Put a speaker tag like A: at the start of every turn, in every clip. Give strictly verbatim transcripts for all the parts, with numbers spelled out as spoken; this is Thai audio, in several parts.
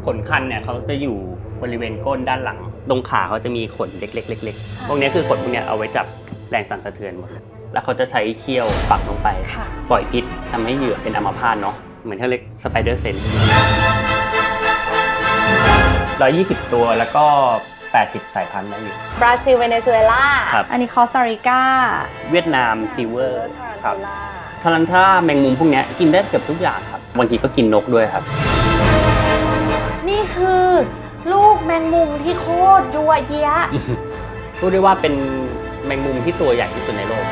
A: ขนคันเนี่ยเขาจะอยู่บริเวณก้นด้านหลังตรงขาเขาจะมีขนเล็กๆเล็กๆพวกนี้คือขนพวกนี้เอาไว้จับแรงสั่นสะเทือนหมดแล้วเขาจะใช้เขี้ยวปักลงไปปล่อยพิษทำให้เหยื่อเป็นอัมพาตเนาะเหมือนที่เรียกสไปเดอร์เซนส์ร้อยยี่สิบตัวแล้วก็แปดสิบสายพันธุ์ได้อยู่
B: บราซิลเวเนซุเอลาอันนี้คอสตาริกา
A: เวียดนามซิลเวอร์ครับทารันท่าแมงมุมพวกนี้กินได้เกือบทุกอย่างครับบางทีก็กินนกด้วยครับ
B: นี่คือลูกแมงมุมที่โคตรยั่วเยี้ย
A: พูดได้ว่าเป็นแมงมุมที่ตัวใหญ่ที่สุดในโลก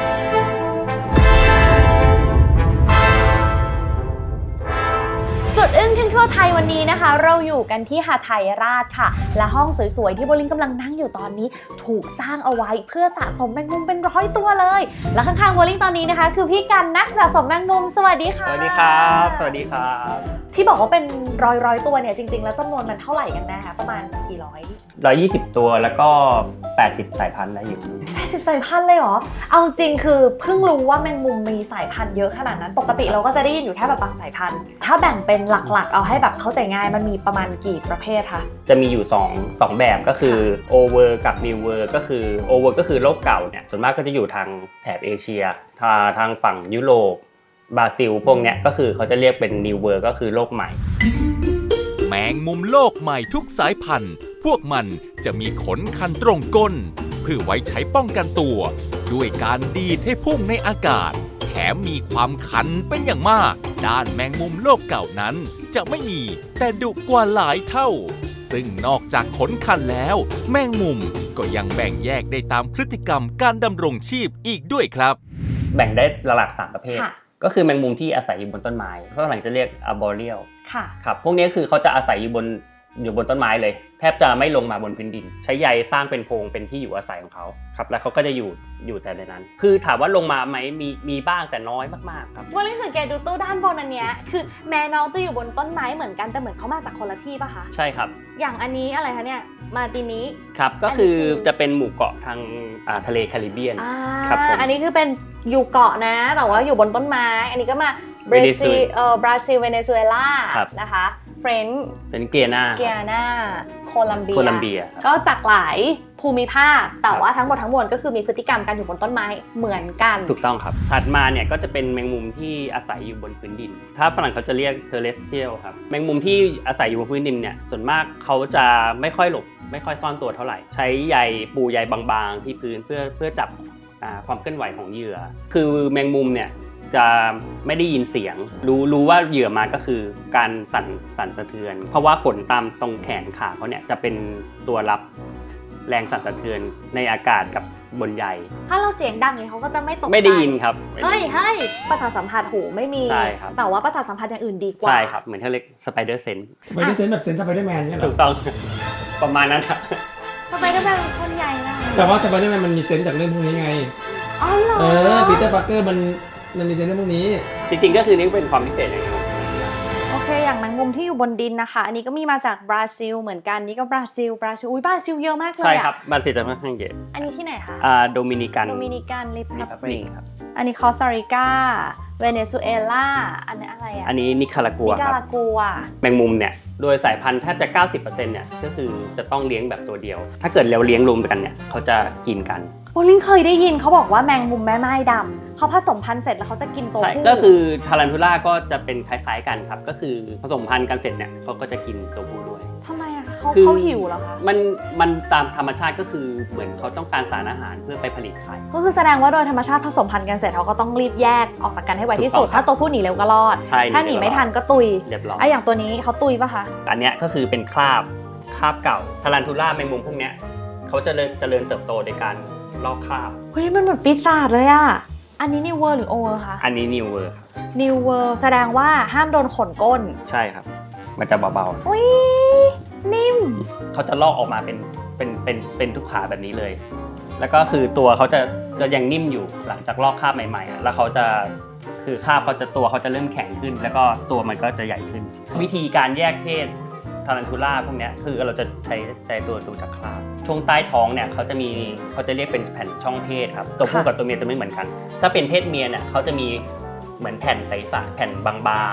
B: สุดอึ้งขึ้นทั่วไทยวันนี้นะคะเราอยู่กันที่หาดไทยราชค่ะและห้องสวยๆที่โบลิ่งกำลังนั่งอยู่ตอนนี้ถูกสร้างเอาไว้เพื่อสะสมแมงมุมเป็นร้อยตัวเลยและข้างๆโบลิ่งตอนนี้นะคะคือพี่กันนักสะสมแมงมุมสวัสดีค่ะ
A: สวัสดีครับสวัสดีครับ
B: ที่บอกว่าเป็นร้อยร้อยตัวเนี่ยจริงๆแล้วจำนวนมันเท่าไหร่กันนะคะประมาณกี่ร้อย
A: ร้อยยี่สิบตัวแล้วก็แปดสิบสายพันธุ์ได้อยู่
B: แปดสิบสายพันธุ์เลยเหรอเอาจริงคือเพิ่งรู้ว่าแมงมุมมีสายพันธุ์เยอะขนาดนั้นปกติเราก็จะได้ยินอยู่แค่แบบบางสายพันธุ์ถ้าแบ่งเป็นหลักๆเอาให้แบบเข้าใจง่ายมันมีประมาณกี่ประเภทคะ
A: จะมีอยู่2 2แบบก็คือ Over กับ New World ก็คือ Over ก็คือโลกเก่าเนี่ยส่วนมากก็จะอยู่ทางแถบเอเชียทางทางฝั่งยุโรปบราซิลพวกเนี้ยก็คือเขาจะเรียกเป็น New World ก็คือโลกใหม่
C: แมงมุมโลกใหม่ทุกสายพันธุ์พวกมันจะมีขนคันตรงก้นเพื่อไว้ใช้ป้องกันตัวด้วยการดีดให้พุ่งในอากาศแถมมีความคันเป็นอย่างมากด้านแมงมุมโลกเก่านั้นจะไม่มีแต่ดุกว่าหลายเท่าซึ่งนอกจากขนคันแล้วแมงมุมก็ยังแบ่งแยกได้ตามพฤติกรรมการดำรงชีพอีกด้วยครับ
A: แบ่งได้หลักๆสามประเภทก็คือแมงมุมที่อาศัยอยู่บนต้นไม้ฝรั่งจะเรียก arboreal
B: ค่ะ
A: ครับพวกนี้คือเขาจะอาศัยอยู่บนอยู่บนต้นไม้เลยแทบจะไม่ลงมาบนพื้นดินใช้ใยสร้างเป็นโพรงเป็นที่อยู่อาศัยของเขาครับแล้วเขาก็จะอยู่อยู่แต่ในนั้นคือถามว่าลงมาไหมมีมีบ้างแต่น้อยมากๆครับ
B: ว่าลิสังเกตดูตู้ด้านบนอันเนี้ยคือแม่น้องจะอยู่บนต้นไม้เหมือนกันแต่เหมือนเขามาจากคนละที่ป่ะคะ
A: ใช่ครับ
B: อย่างอันนี้อะไรคะเนี่ยมาตินี้
A: ครับก็คือจะเป็นหมู่เกาะทางทะเลแคริบเบียน
B: ครับอันนี้คือเป็นอยู่เกาะนะแต่ว่าอยู่บนต้นไม้อันนี้ก็มาบราซิลเอ่อบราซิลเวเนซุเอลานะคะเฟรนช์
A: เป็นเกียนา
B: เกียนาโคลัมเบีย
A: โคลัมเบีย
B: ก็จากหลายภูมิภาคแต่ว่าทั้งหมดทั้งมวลก็คือมีพฤติกรรมการอยู่บนต้นไม้เหมือนกัน
A: ถูกต้องครับถัดมาเนี่ยก็จะเป็นแมงมุมที่อาศัยอยู่บนพื้นดินถ้าฝรั่งเขาจะเรียก terrestrial ครับแมงมุมที่อาศัยอยู่บนพื้นดินเนี่ยส่วนมากเขาจะไม่ค่อยหลบไม่ค่อยซ่อนตัวเท่าไหร่ใช้ใยปูใยบางๆที่พื้นเพื่อเพื่อจับความเคลื่อนไหวของเหยื่อคือแมงมุมเนี่ยจะไม่ได้ยินเสียงรู้รู้ว่าเหยื่อมาก็คือการสั่นสั่นสะเทือนเพราะว่าขนตามตรงแขนขาเขาเนี่ยจะเป็นตัวรับแรงสั่นสะเทือนในอากาศกับบนใย
B: ถ้าเราเสียงดังอย่างนี้เขาก็จะไม่ตกใจ
A: ไม่ได้ยินครับ
B: เฮ้ยเฮ้ยประสาทสัมผัสหูไม่มี
A: ใช่ครับ
B: แต่ว่าประสาทสัมผัสอย่างอื่นดีกว่า
A: ใช่ครับเหมือนที่เรียกสไปเดอร์เซนส์
D: สไปเดอร์เซนส์แบบเซนส์สไปเดอร์แมนเนี่ยหรอ
A: ถูกต้องประมาณนั้นครับ
B: สไปเดอร์แมนคนใหญ่นะ
D: แต่ว่าสไปเดอร์แมนมันมีเซนส์จากเรื่องพวกนี้ไง
B: อ๋อเหรอ
D: เออปีเตอร์ปาร์เกอร์มันมันมีเซนส์เรื่องพวกนี้
A: จริงๆก็คือนี่เป็นความพิเศษอย่างนึง
B: โอเคอย่างแมงมุมที่อยู่บนดินนะคะอันนี้ก็มีมาจากบราซิลเหมือนกันนี่ก็บราซิลบราซิลอุ้ยบราซิลเยอะมากเลย
A: ใช่ครับบราซิลจะค่อนข้างเยอะ
B: อันนี้ที่ไหนคะ
A: อ่าโดมินิกัน
B: โดมินิกันริพับลิก
A: ครับ
B: อันนี้คอสตาริกาเวเนซุเอลาอันนี้อะไรอ่ะ
A: อันนี้นิคารากัวครับ
B: นิคารากัว
A: แมงมุมเนี่ยโดยสายพันธุ์แทบจะ เก้าสิบเปอร์เซ็นต์ เนี่ยก็คือจะต้องเลี้ยงแบบตัวเดียวถ้าเกิดเราเลี้ยงรวมกันเนี่ยเขาจะกินกัน
B: โบลิ่งเคยได้ยินเขาบอกว่าแมงมุมแม่ไม้ดำเขาผสมพันธุ์เสร็จแล้วเขาจะกินตัวผู้
A: ก็คือทารันทูล่าก็จะเป็นคล้ายๆกันครับก็คือผสมพันธุ์กันเสร็จเนี่ยเขาก็จะกินตัวผู้ด้วย
B: ทำไมอ่ะเขาเขาหิวเหรอคะ
A: มันมันตามธรรมชาติก็คือเหมือนเขาต้องการสารอาหารเพื่อไปผลิตไข่
B: ก็คือแสดงว่าโดยธรรมชาติผสมพันธุ์กันเสร็จเขาก็ต้องรีบแยกออกจากกันให้ไวที่สุดถ้าตัวผู้หนีเร็วก็รอดถ้าหนีไม่ทันก็ตุย
A: เรียบร้อย
B: ไอ้อย่างตัวนี้เขาตุยป่ะคะ
A: อันเนี้ยก็คือเป็นคราบคราบเก่าทารันทูล่าแมงมุมพวกเนี้ยเขาจะเจริญเติบโตโดยการลอกคราบ
B: เฮ้ยมันเหมือนปีศาจเลยอ่ะอันนี้นิวเวอร์หรือโอเวอร์คะ
A: อันนี้นิวเวอร์ครับ
B: นิวเวอร์แสดงว่าห้ามโดนขนก้น
A: ใช่ครับมันจะเบา
B: ๆอุ้ยนิ่ม
A: เขาจะลอกออกมาเป็นเป็นเป็นเป็นทุกขาแบบนี้เลยแล้วก็คือตัวเขาจะจะยังนิ่มอยู่หลังจากลอกคราบใหม่ๆแล้วเขาจะคือคราบเขาจะตัวเขาจะเริ่มแข็งขึ้นแล้วก็ตัวมันก็จะใหญ่ขึ้นวิธีการแยกเพศทารันทูล่าพวกนี้คือเราจะใช้ใช้ตัวดูจากคราบช่วงใต้ท้องเนี่ยเขาจะมีเขาจะเรียกเป็นแผ่นช่องเพศครับตัวผู้กับตัวเมียจะไม่เหมือนกันถ้าเป็นเพศเมียเนี่ยเขาจะมีเหมือนแผ่นใสๆแผ่นบางๆ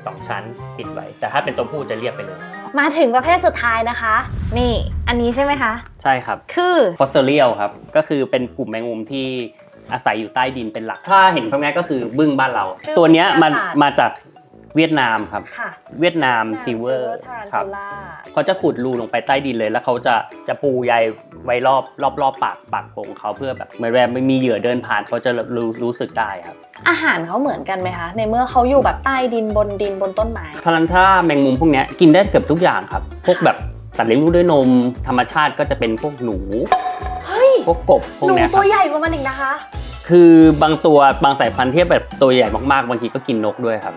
A: สองชั้นปิดไว้แต่ถ้าเป็นตัวผู้จะเรียบไปเลย
B: มาถึงประเภทสุดท้ายนะคะ นี่อันนี้ใช่ไหมคะ
A: ใช่ครับ
B: คือ
A: ฟอสเซอเรียลครับก็คือเป็นกลุ่มแมงมุมที่อาศัยอยู่ใต้ดินเป็นหลักถ้าเห็นง่ายๆก็คือบึ้งบ้านเรา ตัวเนี้ยมันมาจากเวียดนามครับ
B: ค่ะ
A: เวียดนามซิลเวอร์ครับ เขาจะขุดรูลงไปใต้ดินเลยแล้วเขาจะจะปูใยไว้รอบรอบรอบปากปากโป่งเขาเพื่อแบบเหมือนแบบไม่มีเหยื่อเดินผ่านเขาจะรู้รู้สึกได้ครับ
B: อาหารเขาเหมือนกันไหมคะในเมื่อเขาอยู่แบบใต้ดินบนดินบนต้นไม้
A: ทารันท่าแมงมุมพวกนี้กินได้เกือบทุกอย่างครับพวกแบบสัตว์เลี้ยงลูกด้วยนมธรรมชาติก็จะเป็นพวกหนู
B: เฮ้ย
A: พวกกบพวก
B: หนู
A: เนี้ย
B: ตัวใหญ่กว่ามันอีกนะคะ
A: คือบางตัวบางสายพันธุ์ที่แบบตัวใหญ่มากๆบางทีก็กินนกด้วยครับ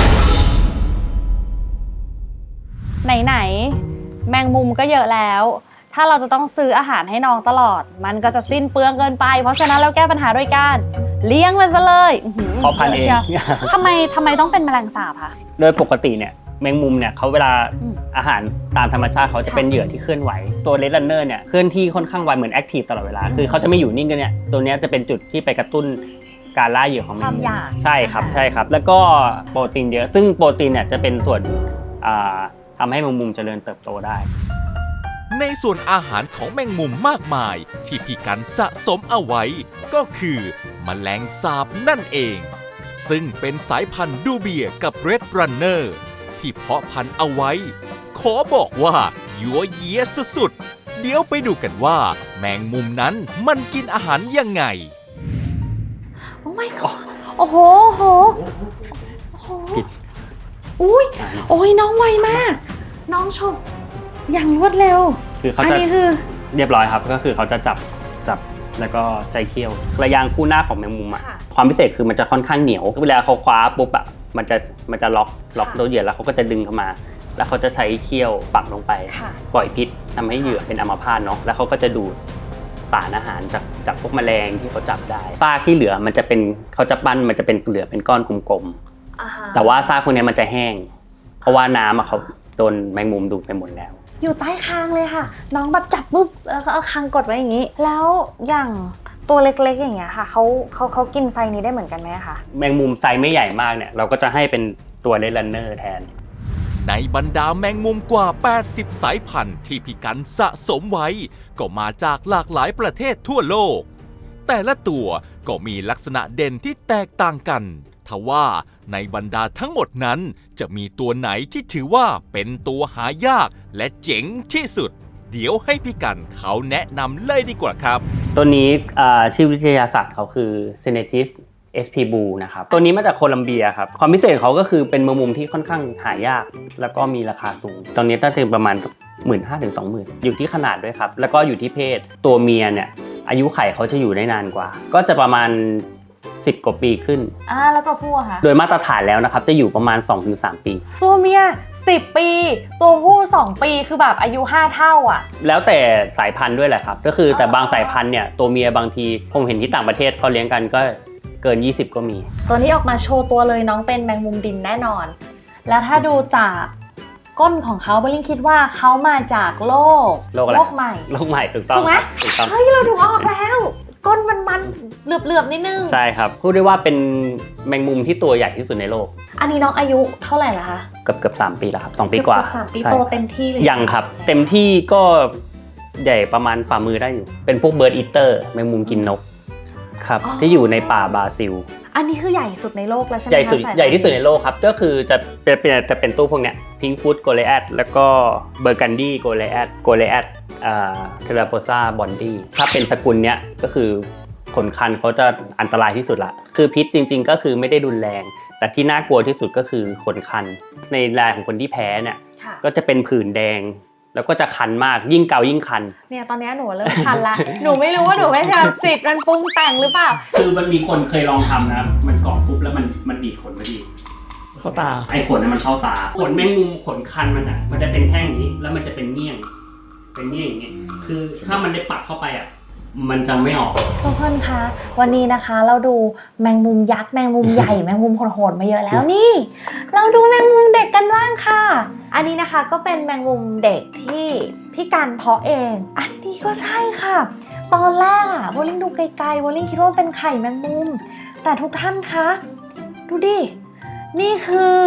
B: ไหนๆแมงมุมก็เยอะแล้ว ถ้าเราจะต้องซื้ออาหารให้น้องตลอด มันก็จะสิ้นเปลืองเกินไปเพราะฉะนั้นเราแก้ปัญหาด้วยการเลี้ยงมันซะเลย
A: เพาะพันธุ์เอง
B: ทำไมทำไมต้องเป็นแมลงสาบคะ
A: โดยปกติเนี่ยแมงมุมเนี่ยเขาเวลา
B: อืม
A: อาหารตามธรรมชาติเขาจะเป็นเหยื่อที่เคลื่อนไหวตัวเลดรันเนอร์เนี่ยเคลื่อนที่ค่อนข้างไวเหมือนแอคทีฟตลอดเวลาคือเขาจะไม่อยู่นิ่งกันเนี่ยตัวเนี้ยจะเป็นจุดที่ไปกระตุ้นการล่าเหยื่อของแม
B: ควาง ม
A: มุม
B: อยาก
A: ใช่ครับใช่ครับแล้วก็โปรตีนเยอะซึ่งโปรตีนเนี่ยจะเป็นส่วนอ่าทำให้แมงมุมเจริญเติบโตได้
C: ในส่วนอาหารของแมงมุมมากมายที่พี่กันสะสมเอาไว้ ก็คือแมลงสาบนั่นเอง ซึ่งเป็นสายพันธุ์ดูเบียกับเรดรันเนอร์ที่เพาะพันธุ์เอาไว้ ขอบอกว่ายั่วเยียสุดๆเดี๋ยวไปดูกันว่า แมงมุมนั้นมันกินอาหารยังไง
B: โอ้ my god โอ้โหโอ้โหโอ้โหอุ้ยโอ้ยน้องไวมาก น้องชมอย่างรวดเร็ว
A: คือเขา
B: อัน
A: จะ
B: นี้คือ
A: เรียบร้อยครับก็คือเขาจะจับจับแล้วก็ใจเคี้ยวระยางคู่หน้าของแมงมุมอะ
B: ค่ะ
A: ความพิเศษคือมันจะค่อนข้างเหนียวเวลาเขาคว้าปุ๊บอะมันจะมันจะล็อกล็อก
B: ค่ะ
A: ตัวเหยื่อแล้วเขาก็จะดึงเข้ามา แล้วเขาจะใช้เคี้ยวปักลงไป
B: ค่ะ
A: ปล่อยพิษทำให้เหยื่อเป็นอัมพาตเนาะแล้วเขาก็จะดูดสารอาหารจากจากพวกแมลงที่เขาจับได้ซากที่เหลือมันจะเป็นเขาจะปั้นมันจะเป็นเหลือเป็นก้อนกลม
B: อ่าฮะ
A: ๆแต่ว่าซากพวกนี้มันจะแห้ง เพราะว่าน้ำอะเขาโดนแมงมุมดูดไปหมดแล้ว
B: อยู่ใต้คางเลยค่ะ น้องแบบจับปุ๊บแล้วก็เอาคางกดไว้อย่างนี้ แล้วอย่างตัวเล็กๆอย่างเงี้ยค่ะเขาเขาเขากินไซนี้ได้เหมือนกันไหมคะ
A: แมงมุมไซส์ไม่ใหญ่มากเนี่ยเราก็จะให้เป็นตัวเลดรันเนอร์แทน
C: ในบรรดาแมงมุมกว่า แปดสิบ สายพันธุ์ที่พี่กันสะสมไว้ ก็มาจากหลากหลายประเทศทั่วโลก แต่ละตัวก็มีลักษณะเด่นที่แตกต่างกันทว่าในบรรดาทั้งหมดนั้นจะมีตัวไหนที่ถือว่าเป็นตัวหายากและเจ๋งที่สุด เดี๋ยวให้พี่กันเขาแนะนำเลยดีกว่าครับ
A: ตัวนี้อ่าชื่อวิทยาศาสตร์เขาคือ Synergis เอส พี Blue นะครับตัวนี้มาจากโคลัมเบียครับความพิเศษของเขาก็คือเป็นแมงมุมที่ค่อนข้างหายาก แล้วก็มีราคาสูงตอนนี้น่าจะประมาณ หนึ่งหมื่นห้าพัน ถึง สองหมื่น อยู่ที่ขนาดด้วยครับแล้วก็อยู่ที่เพศตัวเมียเนี่ยอายุไข่เขาจะอยู่ได้นานกว่า ก็จะประมาณสิบกว่าปีขึ้น
B: อ่าแล้วตัวผู้อะคะ
A: โดยมาตรฐานแล้วนะครับจะอยู่ประมาณ สองถึงสาม ปี
B: ตัวเมียสิบปี ตัวผู้สองปีคือแบบอายุห้าเท่าอ่ะ
A: แล้วแต่สายพันธุ์ด้วยแหละครับก็คือแต่
B: อ๋อ
A: บางสายพันธุ์เนี่ยตัวเมียบางทีผมเห็นที่ต่างประเทศเขาเลี้ยงกันก็เกินยี่สิบก็มี
B: ตัวนี้ออกมาโชว์ตัวเลยน้องเป็นแมงมุมดินแน่นอน แล้วถ้าดูจากก้นของเขาเบลลิงคิดว่าเขามาจากโลก
A: โลกอะไร
B: โลกใหม่
A: โลกใหม่ถูกต้อง
B: ถูกไหม
A: ครับถูกต้อง
B: เฮ้ยเราดูออกแล้ว ก้นมันมันๆเหลือบๆนิดนึง
A: ใช่ครับพูดได้ว่าเป็นแมงมุมที่ตัวใหญ่ที่สุดในโลก
B: อันนี้น้องอายุเท่าไหร่ละคะ
A: เกือบเกือบสามปีแล้วครับสองปีกว่า
B: เอบๆสามปี
A: ใช่
B: โตเต็มที่เลย
A: ยังครับ เต็มที่ก็ใหญ่ประมาณฝ่ามือได้อยู่ เป็นพวกเบิร์ดอีเตอร์แมงมุมกินนกครับที่อยู่ในป่าบราซิล
B: อันนี้คือใหญ่สุดในโลกแล้วใช่ไหม
A: ใหญ่สุด
B: คะายพันธุ์
A: ใหญ่ที่สุดในโลกครับก็คือจะเป็นเป็นจะเป็นตู้พวกเนี้ยพิงฟูดโกเลแอดแล้วก็เบอร์กันดี้โกเลแอดโกเลแอดอ่าเทราโพซาบอนดี้ถ้าเป็นสกุลเนี้ยก็คือขนคันเขาจะอันตรายที่สุดละคือพิษจริงๆก็คือไม่ได้รุนแรง แต่ที่น่ากลัวที่สุดก็คือขนคัน ในรายของคนที่แพ้เนี่ย
B: ค่ะ
A: ก็จะเป็นผื่นแดง แล้วก็จะคันมากยิ่งเกายิ่งคัน
B: เนี่ยตอนนี้หนูเริ่มคันละ หนูไม่รู้ว่าหนูไม่ทำจิตมันปรุงแต่งหรือเปล่า
A: คือมันมีคนเคยลองทำนะมันเกาะปุ๊บแล้วมันมันดีดขนไม่ดี
D: เข้าตา
A: ไอ้ขนนั้นมันเข้าตาขนแมงมุมขนคันมันอ่ะมันจะเป็นแท่งอย่างนี้แล้วมันจะเป็นเงี้ยงเป็นเงี้ยงอย่างนี้คือถ้ามันได้ปักเข้าไปอ่ะมันจะไม่ออก
B: ทุกคนคะวันนี้นะคะเราดูแมงมุมยักษ์แมงมุมใหญ่ แมงมุมโหดๆมาเยอะแล้วนี่ เราดูแมงมุมเด็กกันบ้างค่ะ อันนี้นะคะก็เป็นแมงมุมเด็กที่พี่กันเพาะเอง อันนี้ก็ใช่ค่ะ ตอนแรกอะโบลิ่งดูไกลๆโบลิ่งคิดว่าเป็นไข่แมงมุม แต่ทุกท่านคะดูดินี่คือ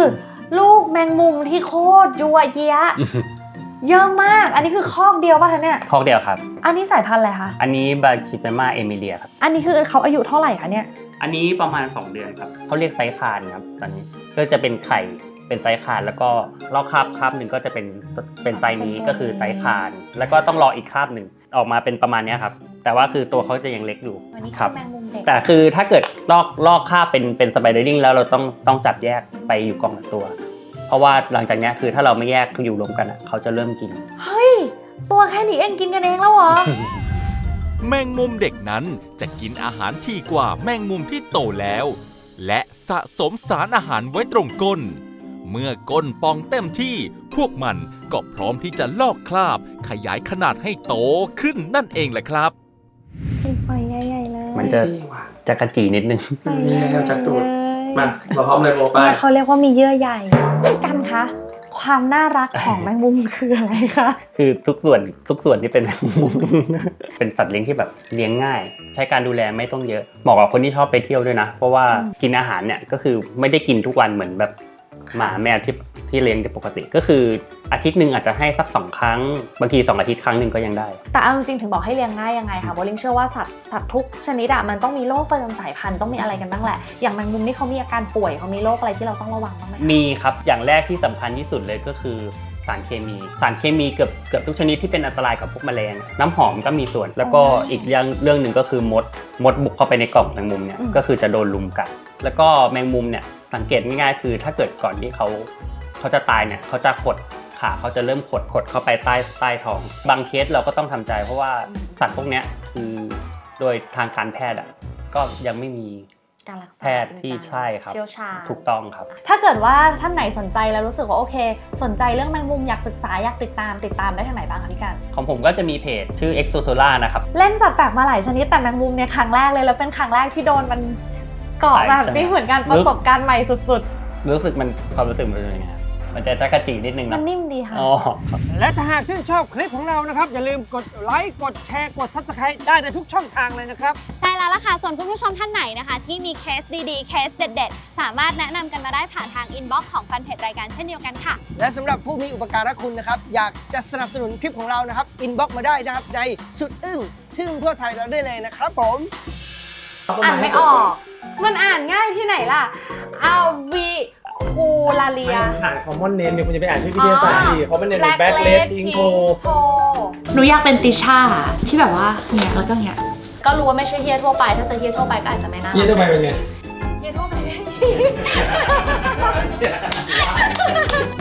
B: ลูกแมงมุมที่โคตรยั่วเยี้ย เยอะมากอันนี้คือคอกเดียวป่ะคะเนี่ย
A: คอกเดียวครับ
B: อันนี้สายพันธุ์อะไรคะ
A: อันนี้บาชิเปมาเอมิเลียครับ
B: อันนี้คือเขาอายุเท่าไหร่คะเนี่ย
A: อันนี้ประมาณสองเดือนครับเขาเรียกไซส์คานครับตอนนี้ก็จะเป็นไข่เป็นไซส์คานแล้วก็ลอกคาบคาบหนึ่งก็จะเป็นเป็นไซส์นี้ก็คือไซส์คานแล้วก็ต้องรออีกคาบหนึ่งออกมาเป็นประมาณนี้ครับแต่ว่าคือตัวเขาจะยังเล็กอยู่
B: วันนี้
A: ครั
B: แมงมุมเด็ก
A: แต่คือถ้าเกิดลอกลอกคาบเป็นเป็นสไปเดอร์ดิ้งแล้วเราต้องต้องจับแยกไปอยู่กล่องละตัว เพราะว่าหลังจากนี้คือถ้าเราไม่แยกอยู่รวมกันอ่ะเขาจะเริ่มกิน
B: เฮ้ยตัวแค่นี้เองกินกันเองแล้วเหรอ
C: แมงมุมเด็กนั้นจะกินอาหารที่กว่าแมงมุมที่โตแล้ว และสะสมสารอาหารไว้ตรงก้น เมื่อก้นปองเต็มที่ พวกมันก็พร้อมที่จะลอกคราบ ขยายขนาดให้โตขึ้นนั่นเองแหละครับ
B: ปล่อยใหญ่ๆเลย
A: มันจะจะกระจีนิดนึง
B: ปล่อย
D: มี
B: ใหญ่ๆ
D: แล้วจักรตูด
B: เลย
D: มาเราพร้อมเลยโบไป
B: เนี่ยเขาเรียกว่ามีเยื่อใหญ่กันคะความน่ารักของแมงมุมคืออะไรคะ
A: คือทุกส่วนทุกส่วนที่เป็นแมงมุม เป็นสัตว์เลี้ยงที่แบบเลี้ยงง่าย ใช้การดูแลไม่ต้องเยอะเหมาะกับคนที่ชอบไปเที่ยวด้วยนะ เพราะว่ากินอาหารเนี่ยก็คือไม่ได้กินทุกวันเหมือนแบบหมาแมวที่ที่เลี้ยงปกติ ก็คืออาทิตย์หนึ่งอาจจะให้สักสองครั้งบางทีสองอาทิตย์ครั้งหนึ่งก็ยังได้
B: แต่เอาจริงๆถึงบอกให้เลี้ยงง่ายยังไงคะโบลิ่งเชื่อว่าสัตว์สัตว์ทุกชนิดอะมันต้องมีโรคประจำสายพันธุ์ต้องมีอะไรกันบ้างแหละอย่างแมงมุมนี่เขามีอาการป่วยเขามีโรคอะไรที่เราต้องระวังบ้างไหมคะ
A: มีครับอย่างแรกที่สำคัญที่สุดเลยก็คือสารเคมี สารเคมีเกือบเกือบทุกชนิดที่เป็นอันตรายกับพวกแมลง น้ำหอมก็มีส่วน แล้วก็อีกเรื่องเรื่องหนึ่งก็คือมดมดบุกเข้าไปในกล่องแมงมุมเนี่ยก็คือจะโดนลุมกัดแล้วก็แมงมุมเนี่ยสังเกตง่ายๆคือถ้าเกิดก่อนที่เขาเขาจะตายเนี่ยเขาจะขดขาเขาจะเริ่มขดขดเข้าไปใต้ใต้ท้องบางเคสเราก็ต้องทำใจเพราะว่าสัตว์พวกเนี้ยคือโดยทางการแพทย์อ่ะก็ยังไม่มี
B: การรักษา
A: แพทย์ที่ใช่ครับ
B: เชี่ยวชาญ
A: ถูกต้องครับ
B: ถ้าเกิดว่าท่านไหนสนใจแล้วรู้สึกว่าโอเค สนใจเรื่องแมงมุมอยากศึกษาอยากติดตามติดตามได้ทางไหนบ้างคะพี่กัน
A: ของผมก็จะมีเพจชื่อ Exotola นะครับ
B: เล่นสัตว์แปลกมาหลายชนิดแต่แมงมุมเนี่ยครั้งแรกเลยแล้วเป็นครั้งแรกที่โดนมันเกาะแบบนี้เหมือนกันประสบการณ์ใหม่สุด
A: รู้สึกมันความรู้สึกมันเป็นยังไงครับมันจะจักระจีนิดนึง
B: ๆ มั
A: นะ
B: นนิ่มดีค่ะ
A: อ๋อครับ
E: และถ้าหากชื่นชอบคลิปของเรานะครับ อย่าลืมกดไลค์กดแชร์กด ซับสไครบ์ ได้ในทุกช่องทางเลยนะครับ
F: ใช่แล้วล่ะค่ะ ส่วนคุณผู้ชมท่านไหนนะคะ ที่มีเคสดีๆ เคสเด็ดๆ สามารถแนะนำกันมาได้ผ่านทางอินบ็อกซ์ของแฟนเพจรายการเช่นเดียวกันค่ะ
E: และสำหรับผู้มีอุปการะคุณนะครับ อยากจะสนับสนุนคลิปของเรานะครับ อินบ็อกซ์มาได้นะครับในสุดอึ้งทึ่งทั่วไทยเราได้เลยนะครับผม
B: อ่านไม่ออก มันอ่านง่ายที่ไหนล่ะอัลวีคูลาเลีย
D: อ่านคอมมอนเนมเนี่ยคุณจะไปอ่านชื่อวิทยาศาสตร์ที่เขาเป็นเนมแบ็คเลสอิงโก
B: หนูอยากเป็นติช่าที่แบบว่าเงี้ยแล้วก็เงี้ยก็รู้ว่าไม่ใช่เฮียทั่วไปถ้าจะเฮียทั่วไปก็อาจจะไม่น่า
D: เยี่ยมไปเป็นไง
B: เฮียทั่วไป